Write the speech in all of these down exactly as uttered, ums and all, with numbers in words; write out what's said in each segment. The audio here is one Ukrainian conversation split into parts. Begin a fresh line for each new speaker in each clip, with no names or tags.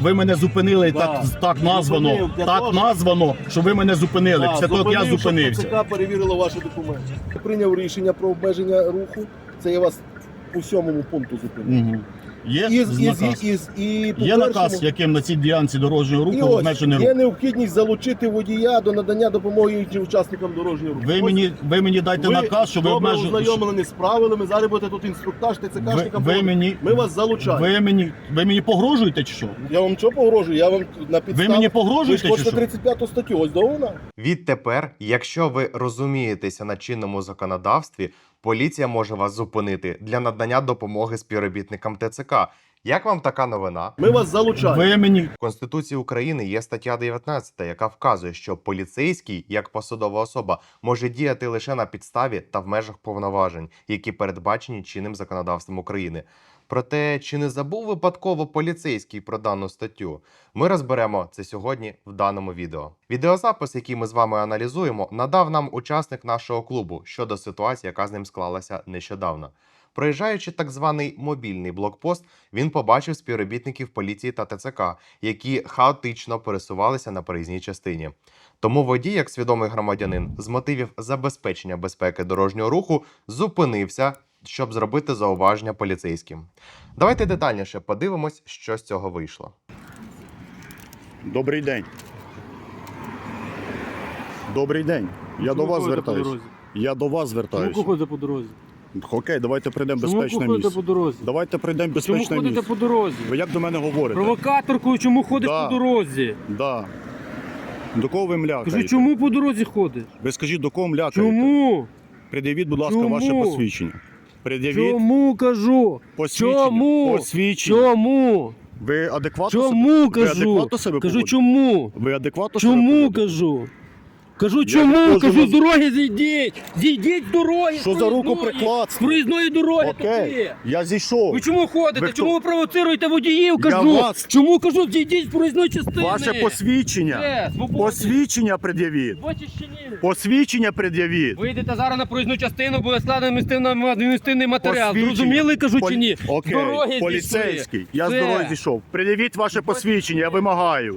ви мене зупинили,
Да.
так, так названо,
Зупинив для
так
того,
названо, що ви мене зупинили.
Да,
Після того, як я
зупинив, щоб
зупинився.
ТЦК перевірило ваші документи. Прийняв рішення про обмеження руху. Це я вас у сьомому пункту зупинив.
Угу. Є
І, і,
наказ.
і, і, і, по
Є наказ,
першому-
яким на цій ділянці дорожнього
І
руху
ось,
обмежений рух.
є необхідність залучити водія до надання допомоги іншим учасникам дорожнього руху.
Ви
Ось
мені, ви мені дайте
ви
наказ, що ви
добре
обмежуєте.
ознайомлені з правилами, зараз будете тут інструктаж
Ви,
ТЦКшникам.
ви, мені,
Ми вас залучаємо.
ви, мені, ви мені погрожуєте чи що?
Я вам що погрожую? Я вам на підставі...
Ви мені
Ви ж
погрожуєте чи
хочете
що?
тридцять п'яту статтю, ось до вона.
Відтепер, якщо ви розумієтеся на чинному законодавстві, поліція може вас зупинити для надання допомоги співробітникам ТЦК. Як вам така новина?
Ми вас залучаємо.
Ви мені
В Конституції України є стаття дев'ятнадцята, яка вказує, що поліцейський, як посадова особа, може діяти лише на підставі та в межах повноважень, які передбачені чинним законодавством України. Проте, чи не забув випадково поліцейський про дану статтю? Ми розберемо це сьогодні в даному відео. Відеозапис, який ми з вами аналізуємо, надав нам учасник нашого клубу щодо ситуації, яка з ним склалася нещодавно. Проїжджаючи так званий мобільний блокпост, він побачив співробітників поліції та ТЦК, які хаотично пересувалися на проїзній частині. Тому водій, як свідомий громадянин, з мотивів забезпечення безпеки дорожнього руху зупинився, щоб зробити зауваження поліцейським. Давайте детальніше подивимось, що з цього вийшло.
Добрий день. Добрий день. Я
Чому
до вас
ходите по
звертаюсь.
дорозі?
Я до вас
Чому
звертаюсь.
ходите по дорозі?
Окей, давайте прийдемо в
Чому
безпечне
ходите
місце.
по дорозі?
Давайте прийдемо в
Чому
безпечне
ходите
місце.
по дорозі?
Ви як до мене говорите?
Провокаторкою чому ходиш
Да.
по дорозі?
Да. До кого ви млякаєте?
Кажу, чому по дорозі ходиш?
Ви скажіть, до кого млякаєте?
Чому?
Пред'явіть, будь ласка,
Чому?
ваше посвідчення. Пред'явіть
Чому кажу?
посвідчення.
Чому?
Посвідчення.
Чому?
Ви адекватно
Чому
себе... Ви
кажу?
адекватно себе
Кажу,
поводите?
чому?
Ви адекватно себе
Чому
поводите?
кажу? Кажу,
не
чому?
можу
Кажу,
вас-
з дороги зійдіть! Зійдіть з дороги!
Що
з
за
проїзної!
рукоприкладство?
З проїзної дороги
Окей,
туди!
я зійшов.
Ви чому ходите?
Ви хто?
Чому ви провоцируєте водіїв?
Я
Кажу!
вас-
Чому кажу, зійдіть з проїзної частини?
Ваше посвідчення.
Де? Свободі.
Посвідчення пред'явіть.
Бачиш чи ні?
Посвідчення пред'явіть.
Вийдете зараз на проїзну частину, буде складений адміністративний- адміністративний матеріал.
Посвідчення.
Зрозуміли, кажу,
Полі-
чи ні?
Окей,
З дороги
поліцейський.
зійшли.
Я з
Все.
дороги зійшов. Пред'явіть ваше посвідчення, я вимагаю.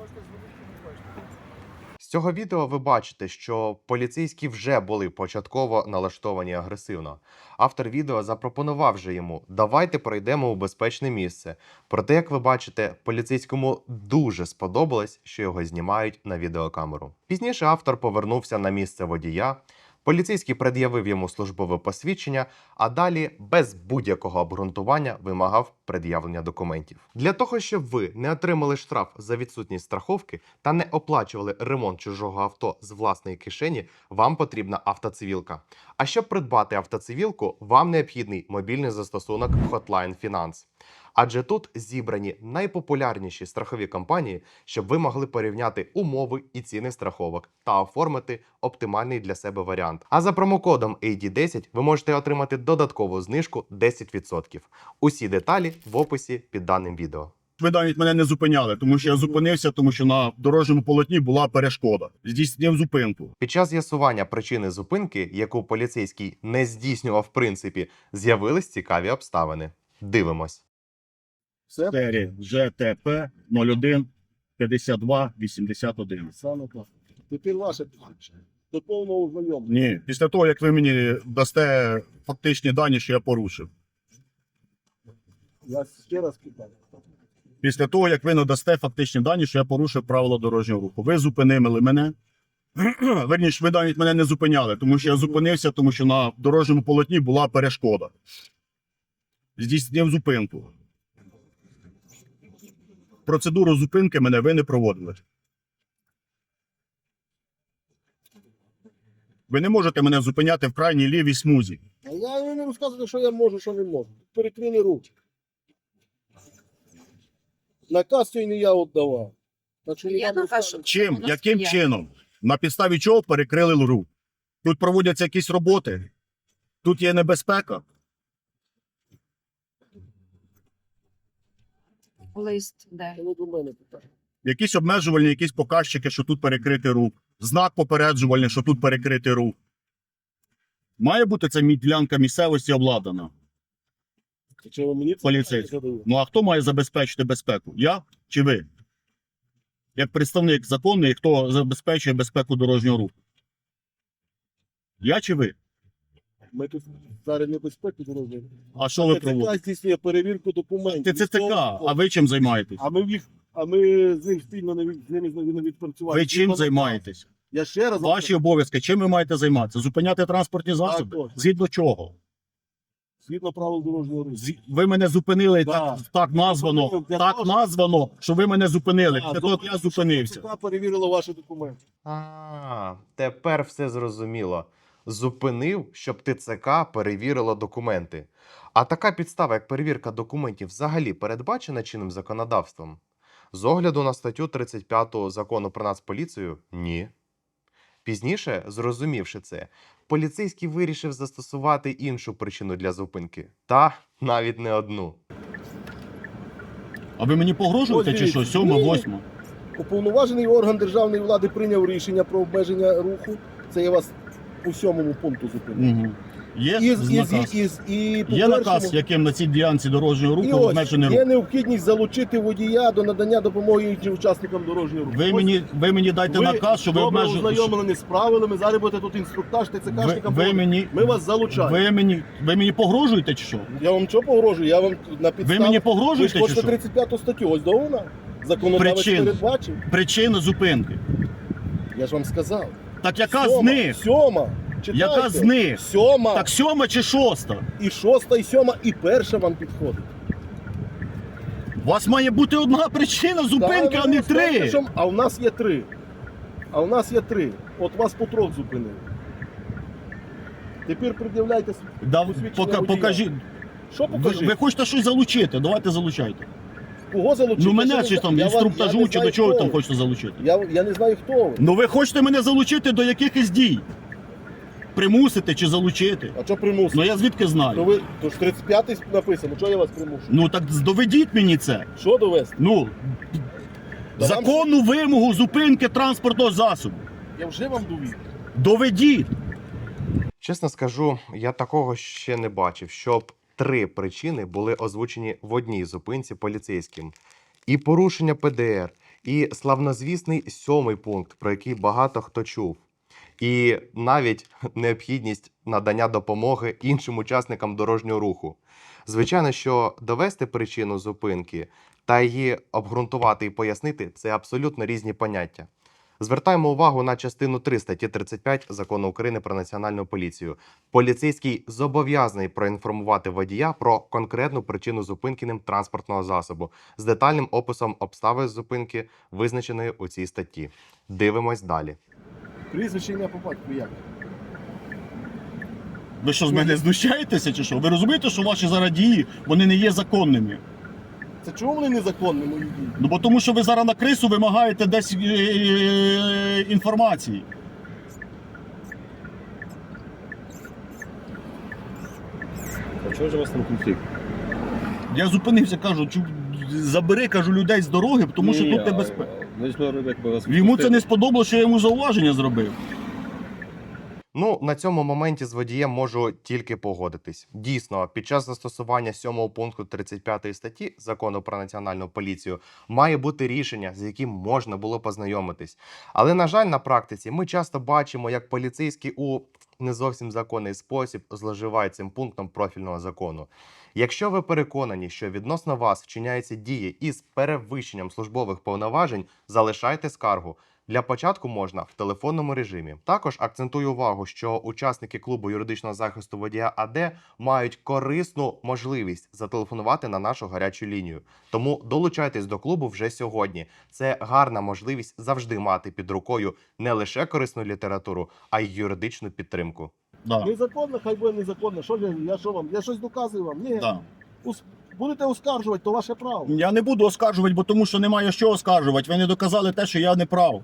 З цього відео ви бачите, що поліцейські вже були початково налаштовані агресивно. Автор відео запропонував же йому: давайте пройдемо у безпечне місце. Проте, як ви бачите, поліцейському дуже сподобалось, що його знімають на відеокамеру. Пізніше автор повернувся на місце водія. Поліцейський пред'явив йому службове посвідчення, а далі без будь-якого обґрунтування вимагав пред'явлення документів. Для того, щоб ви не отримали штраф за відсутність страховки та не оплачували ремонт чужого авто з власної кишені, вам потрібна автоцивілка. А щоб придбати автоцивілку, вам необхідний мобільний застосунок Hotline Finance. Адже тут зібрані найпопулярніші страхові компанії, щоб ви могли порівняти умови і ціни страховок та оформити оптимальний для себе варіант. А за промокодом ей ді десять ви можете отримати додаткову знижку десять відсотків. Усі деталі в описі під даним відео.
Ви навіть мене не зупиняли, тому що я зупинився, тому що на дорожньому полотні була перешкода. Здійснив зупинку.
Під час з'ясування причини зупинки, яку поліцейський не здійснював в принципі, з'явились цікаві обставини. Дивимось.
Все?
Серія Ж Т П нуль один п'ятдесят два вісімдесят один.
Саме так. Тепер ваше посвідчення. До повного ознайомлення.
Ні, після того, як ви мені дасте фактичні дані, що я порушив.
Я ще раз питаю.
Після того, як ви надасте фактичні дані, що я порушив правила дорожнього руху. Ви зупинили мене. Верніше, ви навіть мене не зупиняли, тому що я зупинився, тому що на дорожньому полотні була перешкода. Здійснив зупинку. Процедуру зупинки мене ви не проводили. Ви не можете мене зупиняти в крайній лівій смузі.
А я не розказую, що я можу, що не можу. Перекрили руки. Наказ цей не я віддавав. Так що не
Я
вам
наказ,
розказую.
Чим?
У нас
Яким
є.
чином? На підставі чого перекрили рух? Тут проводяться якісь роботи? Тут є небезпека?
Лист, де?
Це не до мене питання.
Якісь обмежувальні, якісь показчики, що тут перекритий рух. Знак попереджувальний, що тут перекритий рух. Має бути ця мі- ділянка місцевості обладнана.
Чи ви мені це
Поліцейський.
задаєте?
Ну а хто має забезпечити безпеку? Я чи ви? Як представник законний, хто забезпечує безпеку дорожнього руху? Я чи ви?
Ми тут зараз небезпеку зробили.
А що ви
ТЦК
проводите?
здійснює перевірку документів.
Ти ЦТК, а ви чим займаєтесь?
А ми їх, а ми з ним спільно не від- з ними не відпрацювали.
Ви чим займаєтесь?
Я ще раз
Ваші обов'язки, чим ви маєте займатися? Зупиняти транспортні засоби?
точно.
Згідно чого?
згідно правил дорожнього руху.
Зі- Ви мене зупинили,
Да.
так, так названо,
Зупинив для
так
того,
названо, що ви мене зупинили.
А,
Це
добре,
от я зупинився.
ТЦК перевірила ваші документи.
А, тепер все зрозуміло. Зупинив, щоб ТЦК перевірило документи. А така підстава, як перевірка документів, взагалі передбачена чинним законодавством? З огляду на статтю тридцять п'яту Закону про Нацполіцію – ні. Пізніше, зрозумівши це, поліцейський вирішив застосувати іншу причину для зупинки. Та навіть не одну.
А ви мені погрожуєте
Ось
чи що?
дивіться.
Сьома,
Ні.
восьма?
Уповноважений орган державної влади прийняв рішення про обмеження руху. Це я вас у сьомому пункту зупинив.
Угу. Є
І, з- і, з-
наказ?
і, з- і, по
Є наказ,
першому-
яким на цій ділянці дорожнього
і
руху
ось,
обмежений
є
рух?
необхідність залучити водія до надання допомоги іншим учасникам дорожнього руху.
Ви
Ось
мені, ви мені дайте
ви
наказ, що ви
добре
обмежуєте.
ознайомлені з правилами, зараз будете тут інструктаж
Ви,
ТЦКшникам.
ви, мені,
Ми вас залучаємо.
ви, мені, ви мені погрожуєте чи що?
Я вам що погрожую? Я вам на
Ви
підставі...
мені
Ви ж
погрожуєте чи
хочете
що?
тридцять п'яту статтю, ось до вона. Законодавець
Причин.
передбачив.
Причина зупинки.
Я ж вам сказав.
Так яка
Сьома,
з них?
Сьома. Читайте.
Яка з них?
Сьома.
Так сьома чи шоста?
І шоста, і сьома, і перша вам підходить.
У вас має бути одна причина зупинки,
Та,
а не
ви знаєте,
три.
що- А в нас є три. А в нас є три. От вас по трьох зупинили. Тепер пред'являйте. с-
Да,
посвідчення
пока,
водія.
покажіть.
Що
Ви,
покажіть?
ви хочете щось залучити? Давайте залучайте.
Кого залучити?
Ну
Я
мене
ще
чи
не
там
знаю. Я вам-
інструктажу,
я не
чи до
знаю,
чого ви
хто
там
ви.
хочете залучити?
Я, я не знаю, хто ви.
Ну ви хочете мене залучити до якихось дій? Примусити чи залучити?
А що примусити?
Ну я звідки
Ну
знаю?
ви, то ж тридцять п'ятий написано, що я вас примушую?
Ну так доведіть мені це.
Що довести?
Ну,
Та вам-
законну вимогу зупинки транспортного засобу.
Я вже вам довів.
Доведіть.
Чесно скажу, я такого ще не бачив, щоб три причини були озвучені в одній зупинці поліцейським. І порушення Пе Де Ер, і славнозвісний сьомий пункт, про який багато хто чув. І навіть необхідність надання допомоги іншим учасникам дорожнього руху. Звичайно, що довести причину зупинки та її обґрунтувати і пояснити – це абсолютно різні поняття. Звертаємо увагу на частину три статті тридцять п'ять Закону України про Національну поліцію. Поліцейський зобов'язаний проінформувати водія про конкретну причину зупинки ним транспортного засобу з детальним описом обставин зупинки, визначеної у цій статті. Дивимось далі.
Прізвище ім'я по батьку як?
Ви що, з мене знущаєтеся чи що? Ви розумієте, що ваші зараз дії, вони не є законними?
Це чому вони незаконні, мої дії?
Ну бо тому, що ви зараз на крису вимагаєте десь е, е, інформації.
А чого ж у вас там конфлікт?
Я зупинився, кажу, чу, забери, кажу, людей з дороги, тому що тут небезпека. Йому це не сподобалося, що я йому зауваження зробив.
Ну, на цьому моменті з водієм можу тільки погодитись. Дійсно, під час застосування сьомого пункту тридцять п'ятої статті Закону про Національну поліцію має бути рішення, з яким можна було познайомитись. Але, на жаль, на практиці ми часто бачимо, як поліцейські у не зовсім законний спосіб зловживають цим пунктом профільного закону. Якщо ви переконані, що відносно вас вчиняються дії із перевищенням службових повноважень, залишайте скаргу. Для початку можна в телефонному режимі. Також акцентую увагу, що учасники клубу юридичного захисту водія А Де мають корисну можливість зателефонувати на нашу гарячу лінію. Тому долучайтесь до клубу вже сьогодні. Це гарна можливість завжди мати під рукою не лише корисну літературу, а й юридичну підтримку.
Да.
Незаконно, хай буде незаконно. Що я, я що вам? Я щось доказую вам? Ні.
Да.
Ус- Будете оскаржувати, то ваше право.
Я не буду оскаржувати, бо тому що немає що оскаржувати. Ви не доказали те, що я не прав.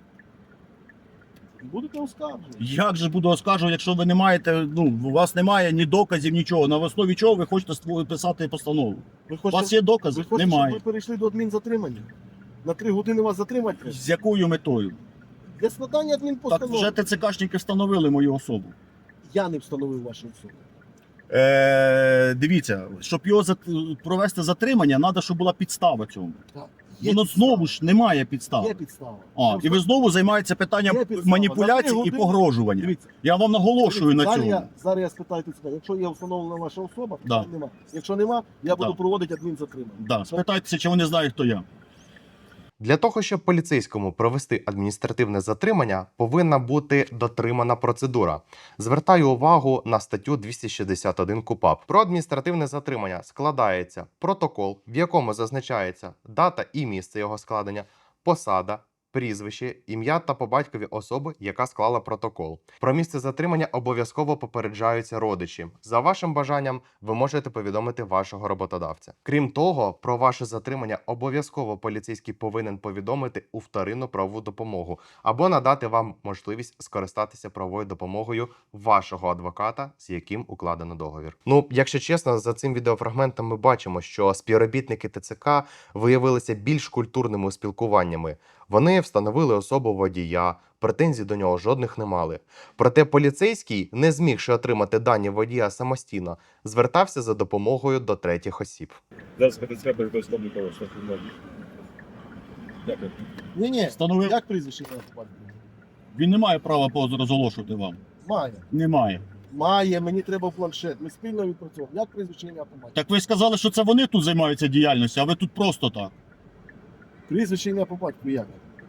Будете оскаржувати.
Як же буду оскаржувати, якщо ви не маєте, ну, у вас немає ні доказів, нічого. На основі чого ви хочете ству- писати постанову?
Ви
У
хочете,
вас є докази?
ви хочете,
Немає.
щоб ви перейшли до адмінзатримання? На три години вас затримати треба?
З якою метою?
Для складання
Так
адмінпостанови.
вже ТЦКшники встановили мою особу.
Я не встановив вашу особу.
Е, дивіться, щоб його зат- провести затримання, треба, щоб була підстава цьому.
Так. Є
Воно
підстава.
знову ж немає підстав.
Є підстава.
А, і ви знову займаєтеся питанням
Є підстава.
маніпуляцій
За три
і
години-
погрожування.
Дивіться,
Я вам наголошую на
зараз
цьому.
я, зараз я спитаю тут себе, якщо є встановлена ваша особа,
Да.
то нема. Якщо нема, я буду
Да.
проводити адмінзатримання.
Да, спитайтеся, чи вони знають, хто я.
Для того, щоб поліцейському провести адміністративне затримання, повинна бути дотримана процедура. Звертаю увагу на статтю двісті шістдесят один КУпАП. Про адміністративне затримання складається протокол, в якому зазначається дата і місце його складення, посада, прізвище, ім'я та по батькові особи, яка склала протокол. Про місце затримання обов'язково попереджаються родичі. За вашим бажанням ви можете повідомити вашого роботодавця. Крім того, про ваше затримання обов'язково поліцейський повинен повідомити у вторинну правову допомогу або надати вам можливість скористатися правовою допомогою вашого адвоката, з яким укладено договір. Ну, якщо чесно, за цим відеофрагментом ми бачимо, що співробітники ТЦК виявилися більш культурними у спілкуваннями. Вони встановили особу водія, претензій до нього жодних не мали. Проте поліцейський, не змігши отримати дані водія самостійно, звертався за допомогою до третіх осіб.
Зараз КТЦК переконує обліково, що тут можна. Дякую.
Ні, ні.
Встановив.
Як прізвище ім'я, по батькові?
Він не має права поз- розголошувати вам.
Має.
Немає.
Має, мені треба планшет. Ми спільно відпрацьовуємо. Як прізвище ім'я по батькові?
Так ви сказали, що це вони тут займаються діяльністю, а ви тут просто так.
Прізвище ім'я по батькові як?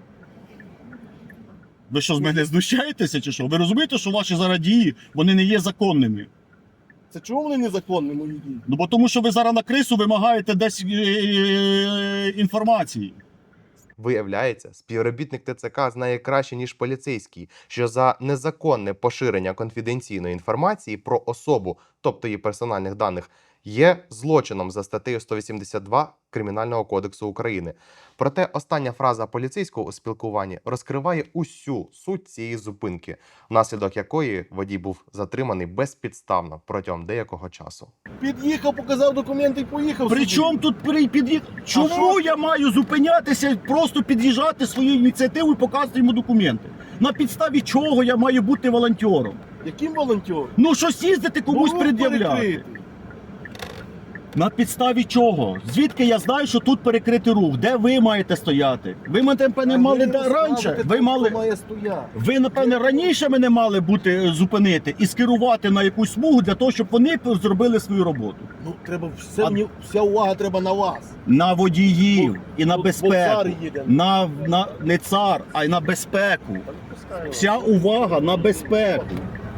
Ви що, з мене знущаєтеся чи що? Ви розумієте, що ваші зараз дії, вони не є законними?
Це чому вони незаконні, мої дії?
Ну бо тому, що ви зараз на крису вимагаєте десь е, е, інформації.
Виявляється, співробітник ТЦК знає краще, ніж поліцейський, що за незаконне поширення конфіденційної інформації про особу, тобто її персональних даних, є злочином за статтею сто вісімдесят два Кримінального кодексу України. Проте остання фраза поліцейського у спілкуванні розкриває усю суть цієї зупинки, внаслідок якої водій був затриманий безпідставно протягом деякого часу.
Під'їхав, показав документи і поїхав.
При
собі.
чому тут при- під'їзд? Чому
що?
я маю зупинятися, просто під'їжджати своєю ініціативою і показувати йому документи? На підставі чого я маю бути волонтером?
Яким волонтером?
Ну щось їздити комусь
Ну,
пред'являти.
перекритий.
На підставі чого? Звідки я знаю, що тут перекритий рух? Де ви маєте стояти? Ви мене напевне
А
мали
ви
да, раніше.
розказуєте,
Ви
хто
мали.
має стояти.
Ви, напевне, раніше мене мали бути е, зупинити і скерувати на якусь смугу для того, щоб вони п- зробили свою роботу.
Ну, треба все,
А-
мені- вся увага треба на вас.
На водіїв
Бо-
і на
бо- бо цар
безпеку.
їде.
На, на не цар, а й на безпеку. Вся увага на безпеку.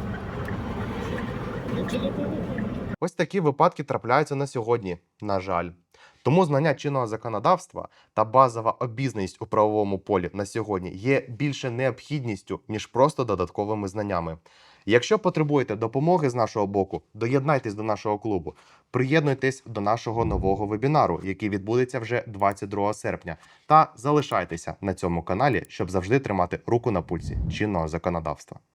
Ось такі випадки трапляються на сьогодні, на жаль. Тому знання чинного законодавства та базова обізнаність у правовому полі на сьогодні є більше необхідністю, ніж просто додатковими знаннями. Якщо потребуєте допомоги з нашого боку, доєднайтесь до нашого клубу, приєднуйтесь до нашого нового вебінару, який відбудеться вже двадцять другого серпня, та залишайтеся на цьому каналі, щоб завжди тримати руку на пульсі чинного законодавства.